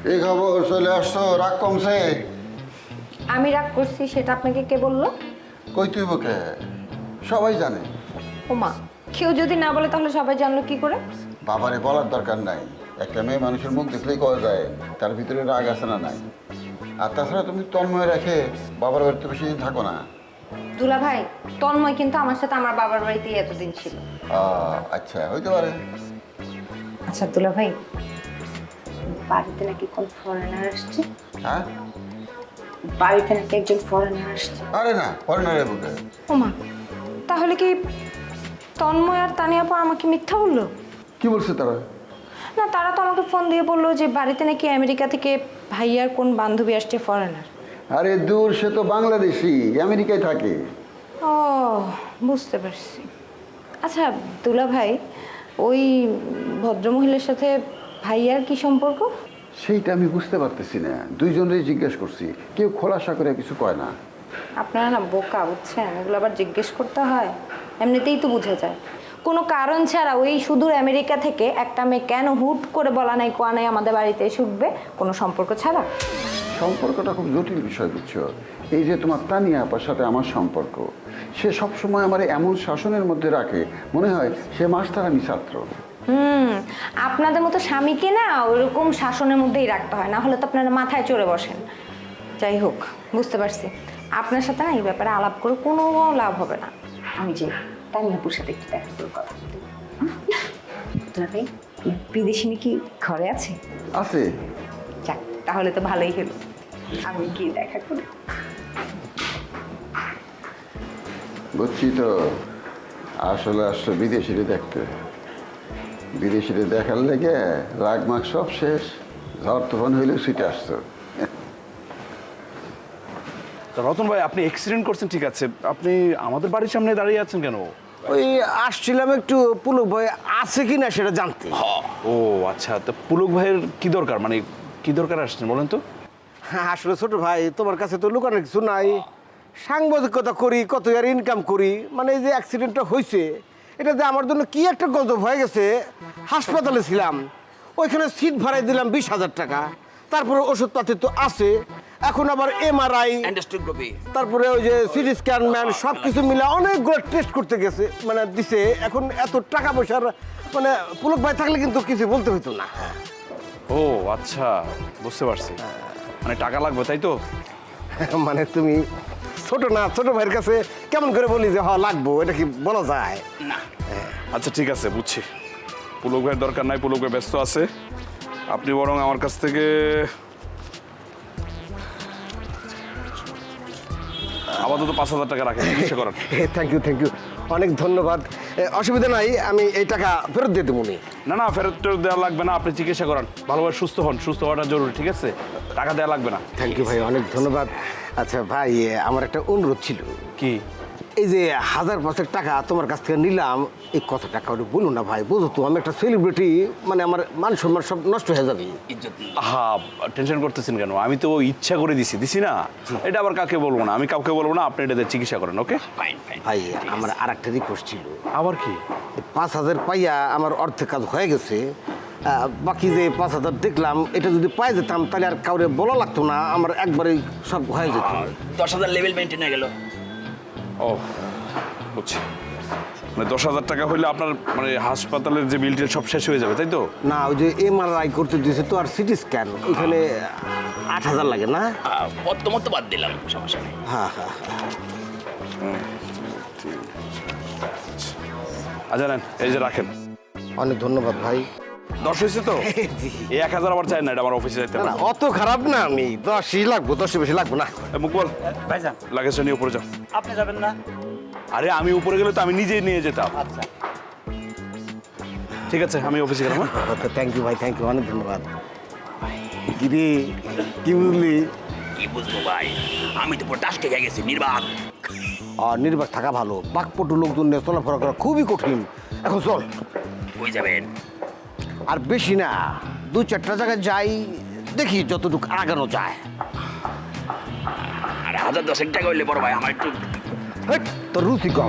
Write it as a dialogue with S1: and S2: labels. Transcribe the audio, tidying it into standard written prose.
S1: এই খবর চলে আসছো, রাগ কমছে?
S2: আমি রাগ করছি সেটা আপনাকে কে বললো?
S1: কই তুই বকে সবাই জানে।
S2: ওমা, কেউ যদি না বলে তাহলে সবাই জানলো কি করে?
S1: বাবারে বলার দরকার নাই, একটা মেয়ে মানুষের মুখ দেখলেই কওয়া যায় তার ভিতরে রাগ আছে না নাই। আর তাছাড়া তুমি তন্ময় রেখে বাবার বাড়িতে বেশি দিন থাকো না।
S2: দুলা ভাই, তন্ময় কিন্তু আমার সাথে আমার বাবার বাড়িতেই এতদিন ছিল।
S1: আচ্ছা, হইতে পারে।
S2: আচ্ছা দুলা ভাই, বাড়িতে নাকি কোন ফরেনার আসছে?
S1: হ্যাঁ,
S2: বাড়িতে নাকি একজন ফরেনার আসছে।
S1: আরে না, ফরেনারের বুকে।
S2: ওমা, তাহলে কি তন্ময় আর তানিয়াপা আমাকে মিথ্যা বললো?
S1: কি বলছে তারা?
S2: না, তারা তো আমাকে ফোন দিয়ে বললো যে বাড়িতে নাকি আমেরিকা থেকে ভাইয়ার কোন বান্ধবী আসছে ফরেনার।
S1: আরে দূর, সে তো বাংলাদেশি, আমেরিকায় থাকে।
S2: ও, বুঝতে পারছি। আচ্ছা দুলা ভাই, ওই ভদ্রমহিলার সাথে ভাইয়ার কি সম্পর্ক?
S1: সেইটা আমি বুঝতে পারতেছি না, দুইজনেরই জিজ্ঞেস করছি, কেউ খোলাসা করে কিছু কয় না।
S2: আপনারা না বোকা, বুঝছেন? এগুলো আবার জিজ্ঞেস করতে হয়? এমনিতেই তো বুঝে যায়। কোনো কারণ ছাড়া ওই সুদূর আমেরিকা থেকে একটা মেয়ে কেন হুট করে বলা নাই কোয়া নাই আমাদের বাড়িতে এসে উঠবে, কোনো সম্পর্ক ছাড়া?
S1: সম্পর্কটা খুব জটিল বিষয়, বুঝছো? এই যে তোমার তানিয়া আপার সাথে আমার সম্পর্ক, সে সবসময় আমার এমন শাসনের মধ্যে রাখে, মনে হয় সে মাস্টার, আমি ছাত্র।
S2: আপনাদের মতো স্বামীকে না ওইরকম শাসনের মধ্যেই রাখতে হয়, না হলে তো আপনারা মাথায় চড়ে বসেন। যাই হোক, বুঝতে পারছি। আপনার সাথে না এই ব্যাপারে আলাপ করে কোনো লাভ হবে না। আমি যে তানিয়াপুর সাথে একটু দেখা করে কথা বলি। ভাই, বিদেশি কি ঘরে আছে?
S1: আছে।
S2: যাক, তাহলে তো ভালোই হলো। আমি গিয়ে দেখা করি।
S1: বুঝছি তো, আসলে আসলে বিদেশিরে দেখতে, বিদেশিরে দেখার লেগে রাগ মাগ সব শেষ, ঝড় তুফান হইলেও ছুটে আসতো।
S3: তা রতন ভাই, আপনি অ্যাক্সিডেন্ট করছেন ঠিক আছে, আপনি আমাদের বাড়ির সামনে দাঁড়িয়ে আছেন কেন?
S4: ওই আসছিলাম একটু পুলক ভাই আছে কি না সেটা জানতে।
S3: ও আচ্ছা, তা পুলক ভাইয়ের কি দরকার, মানে কি দরকার আসছেন বলেন তো?
S4: হ্যাঁ, আসলে ছোট ভাই, তোমার কাছে তো লুকানোর কিছু নাই। সাংবাদিকতা করি, কত আর ইনকাম করি, মানে এই যে অ্যাক্সিডেন্টটা হয়েছে এটা যে আমার জন্য কি একটা গজব হয়ে গেছে। হাসপাতালে ছিলাম, ওইখানে সিট ভাড়াই দিলাম 20,000 টাকা, তারপরে ওষুধপাতি তো আছে, এখন আবার এমআরআই, তারপরে ওই যে সিটি স্ক্যান ম্যান সব কিছু মিলে অনেকগুলো টেস্ট করতে গেছে, মানে দিছে। এখন এত টাকা পয়সার মানে পুলক ভাই থাকলে কিন্তু কিছু বলতে হইতো না।
S3: ও আচ্ছা, বুঝতে পারছি, মানে টাকা লাগবে তাই তো?
S4: মানে তুমি ছোট না, ছোট ভাইয়ের কাছে কেমন করে বলি যে হ্যাঁ লাগবো, এটা কি বলা যায়?
S3: না আচ্ছা ঠিক আছে, বুঝছি। পুলক ভাইয়ের দরকার নাই, পুলক ভাই ব্যস্ত আছে। আপনি বরং আমার কাছ থেকে আপাতত 5,000 টাকা রাখেন, চিকিৎসা করান।
S4: থ্যাংক ইউ, থ্যাংক ইউ, অনেক ধন্যবাদ। অসুবিধা নাই, আমি এই টাকা ফেরত দিয়ে দেবো নি।
S3: না না, ফেরত টেরত দেওয়া লাগবে না, আপনি চিকিৎসা করান, ভালোভাবে সুস্থ হন, সুস্থ হওয়াটা জরুরি, ঠিক আছে? টাকা দেওয়া লাগবে না।
S4: থ্যাংক ইউ ভাই, অনেক ধন্যবাদ। আচ্ছা ভাই, আমার একটা অনুরোধ ছিল।
S3: কি?
S4: এই যে 1,000 টাকা তোমার কাছ থেকে নিলাম, এই কত টাকা ওটা বলুন না ভাই, বুঝো তো আমি একটা সেলিব্রিটি, মানে আমার মান সম্মান সব নষ্ট হয়ে যাবে।
S3: হ্যাঁ, টেনশন করতেছেন কেন? আমি তো ইচ্ছা করে দিছি না, এটা আবার কাকে বলবো না, আমি কাউকে বলবো না, আপনি এটা দিয়ে চিকিৎসা করেন, ওকে?
S4: ভাই আমার আর একটা রিকোয়েস্ট ছিল।
S3: আবার কি?
S4: 5,000 পাইয়া আমার অর্ধেক কাজ হয়ে গেছে, বাকি যে 5,000 দেখলাম, এটা যদি পাই যেতাম তাহলে আর কাউরে বলা লাগতো না, আমার একবারেই সব হয়ে যেত।
S5: 10,000 লেভেল মেনটেন হয়ে গেল।
S3: ও বুঝছি, মানে 10,000 টাকা হইলে আপনার মানে হাসপাতালের যে বিল টিল সব শেষ হয়ে যাবে, তাই তো?
S4: না, ওই যে এমআরআই করতে দিয়েছে তো, আর সিটি স্ক্যান, ওইখানে 8,000 লাগে না?
S5: মত বাদ দিলাম, সমস্যা নেই।
S4: হ্যাঁ হ্যাঁ।
S3: আচ্ছা নেন, এই যে রাখেন।
S4: অনেক ধন্যবাদ ভাই।
S3: 10 হয়েছে তো?
S4: জি।
S3: এই 1,000 আবার চাই না, এটা আমার অফিসে যাইতে
S4: না
S3: হবে।
S4: না, অত খারাপ না, আমি 10ই লাগবো, 10 বেশি লাগবো না।
S3: মুকবল,
S5: ভাইজান,
S3: লাগেজটা নিয়ে উপরে যাও।
S5: আপনি যাবেন না?
S3: আরে আমি উপরে গেলে তো আমি নিজেই নিয়ে যেতাম।
S5: আচ্ছা,
S3: ঠিক আছে, আমি অফিসে গেলাম।
S4: থ্যাংক ইউ ভাই, থ্যাংক ইউ, অনেক ধন্যবাদ। গিরি, কি বুঝলি?
S5: কি বুঝবো ভাই, আমি তো পুরো টাস্কে খেয়ে গেছি, নির্বাক।
S4: আর নির্বাক থাকা ভালো, বাকপটু লোকজন নিয়ে চলাফেরা করা খুবই কঠিন। এখন চল।
S5: কই যাবেন?
S4: আর বেশি না, 2-4টা জায়গায় যাই, দেখি যতটুকু আগানো যায়।
S5: আর 1,010 টাকা হইলে বড় ভাই আমার একটু
S4: হেট, তোর রুচি কম।